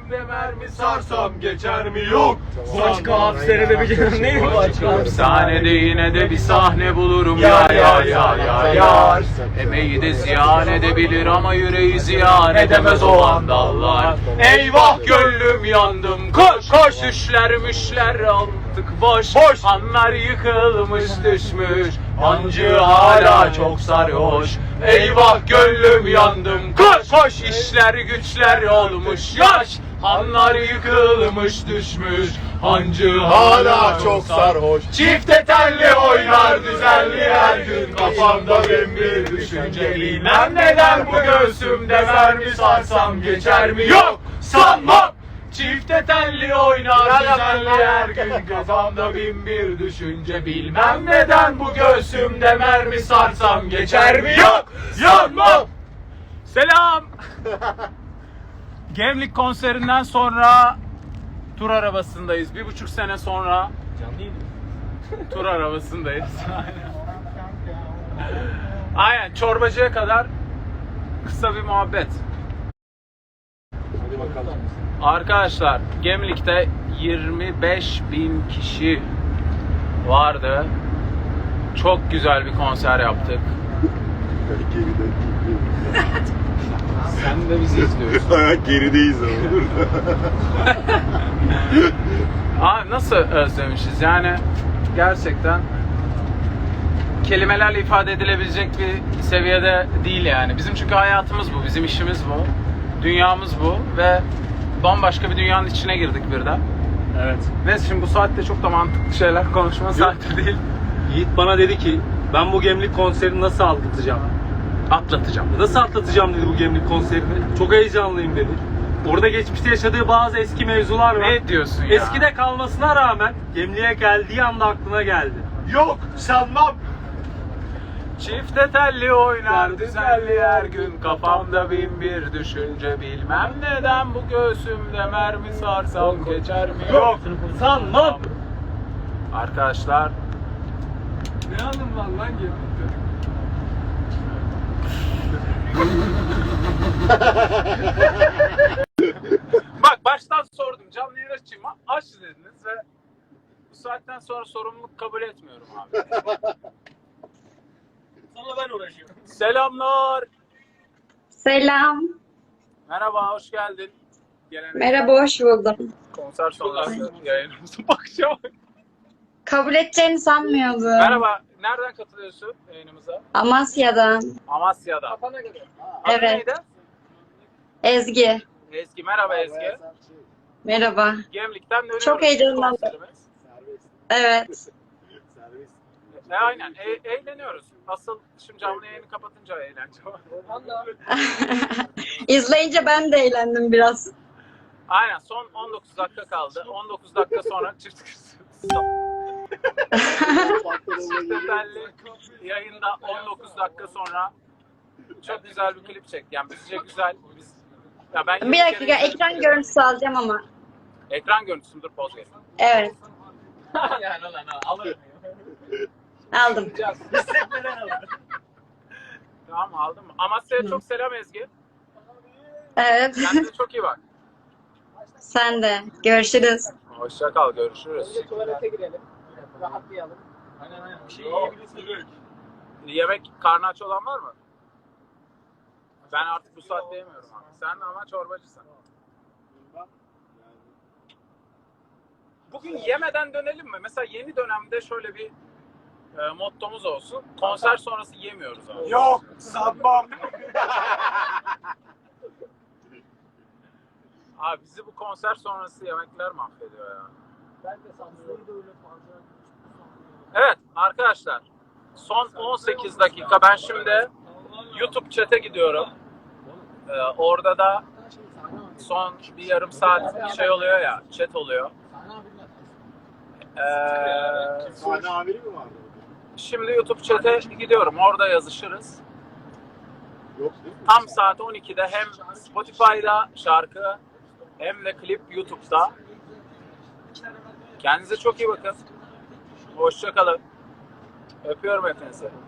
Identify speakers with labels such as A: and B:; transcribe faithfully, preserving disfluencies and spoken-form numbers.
A: göğsümde mermi sarsam geçer mi yok.
B: Başka hapishanede bir gün neydi başka?
A: Hapishanede yine de bir sahne bulurum ya ya ya ya ya. Emeği de ziyan edebilir ama yüreği ziyan edemez o vandallar. Eyvah gönlüm yandım, koş koş. Düşler müşler aldık boş boş. Hanlar yıkılmış düşmüş, hancı hala çok sarhoş. Eyvah gönlüm yandım, koş koş. İşler güçler olmuş yaş, hanlar yıkılmış düşmüş, hancı hala çok sarhoş. Çifte telli oynar düzenli her gün, kafamda bin bir düşünce. Bilmem neden bu göğsümde mermi sarsam geçer mi yok, sanmam. Çifte telli oynar düzenli her gün, kafamda bin bir düşünce. Bilmem neden bu göğsümde mermi sarsam geçer mi yok, sanmam. Selam. Gemlik konserinden sonra tur arabasındayız. Bir buçuk sene sonra tur arabasındayız. Aynen, çorbacıya kadar kısa bir muhabbet.
B: Hadi bakalım.
A: Arkadaşlar, Gemlik'te yirmi beş bin kişi vardı. Çok güzel bir konser yaptık. Sen de bizi izliyorsun.
C: Gerideyiz ama.
A: Abi nasıl özlemişiz yani, gerçekten kelimelerle ifade edilebilecek bir seviyede değil yani. Bizim çünkü hayatımız bu, bizim işimiz bu, dünyamız bu ve bambaşka bir dünyanın içine girdik birden.
B: Evet.
A: Neyse, şimdi bu saatte çok da mantıklı şeyler konuşma saati değil.
B: Yiğit bana dedi ki ben bu Gemlik konserini nasıl atlatacağım?
A: Atlatacağım.
B: Nasıl atlatacağım dedi bu Gemlik konserini. Çok heyecanlıyım dedi. Orada geçmişte yaşadığı bazı eski mevzular var.
A: Ne diyorsun ya?
B: Eskide kalmasına rağmen Gemlik'e geldiği anda aklına geldi.
C: Yok sanmam.
A: Çifte telli oynar düzenli her gün, kafamda bin bir düşünce. Bilmem neden bu göğsümde mermi sarsam geçer mi yok,
B: sanmam.
A: Arkadaşlar,
B: Ne anım var lan Gemlik'te?
A: bak baştan sordum, canlı yayın açayım, aç dediniz ve bu saatten sonra sorumluluk kabul etmiyorum abi.
B: Sana ben uğraşıyorum.
A: Selamlar.
D: Selam.
A: Merhaba, hoş geldin. Geleneksel
D: Merhaba, hoş buldum.
A: konser sonrası yayınımıza bakacağım.
D: Kabul edeceğini sanmıyordum.
A: Merhaba, nereden katılıyorsun yayınımıza?
D: Amasya'dan.
A: Amasya'da. Adın
D: Evet.
A: neydi?
D: Ezgi.
A: Ezgi, merhaba Ezgi.
D: Merhaba.
A: Gemlik'ten dönüyoruz.
D: Çok heyecanlandım.
A: konserimiz.
D: Evet.
A: E, aynen, e- eğleniyoruz. Asıl şimdi canlı yayını kapatınca eğlence var.
D: İzleyince ben de eğlendim biraz.
A: Aynen, son on dokuz dakika kaldı. on dokuz dakika sonra çift Çiftetelli yayında on dokuz dakika sonra çok güzel bir klip çekti. Yani bizce güzel. Biz, ya ben
D: Bir dakika, ekran görüntüsü alacağım ama.
A: Ekran görüntüsü, dur poz verin.
D: Evet.
A: yani lan alırım.
D: Aldım.
A: Tamam, aldım. Amasya'ya çok selam Ezgi.
D: Evet.
A: Kendine çok iyi bak.
D: Sen de. Görüşürüz.
A: Hoşça kal, görüşürüz.
E: Tuvalete girelim. Rahatlayalım.
B: Aynen aynen. Bir şey yiyebilirsin.
A: Yemek, karnı aç olan var mı? Ben artık bu saatte yemiyorum abi. Sen ama çorbacısın. Bugün yemeden dönelim mi? Mesela yeni dönemde şöyle bir e, mottomuz olsun. Konser sonrası yemiyoruz abi.
C: Yok sanmam.
A: Abi bizi bu konser sonrası yemekler mahvediyor ya.
E: Ben de sanmıyorum. Öyle fazla.
A: Evet arkadaşlar, son on sekiz dakika. Ben şimdi YouTube chat'e gidiyorum. Ee, orada da son bir yarım saat şey oluyor ya, chat oluyor. Ee,
C: Sahne amiri mi vardı?
A: şimdi YouTube chat'e gidiyorum, orada yazışırız.
C: Yok değil mi?
A: Tam saat on ikide hem Spotify'da şarkı hem de klip YouTube'da. Kendinize çok iyi bakın. Hoşça kalın. Öpüyorum hepinizi.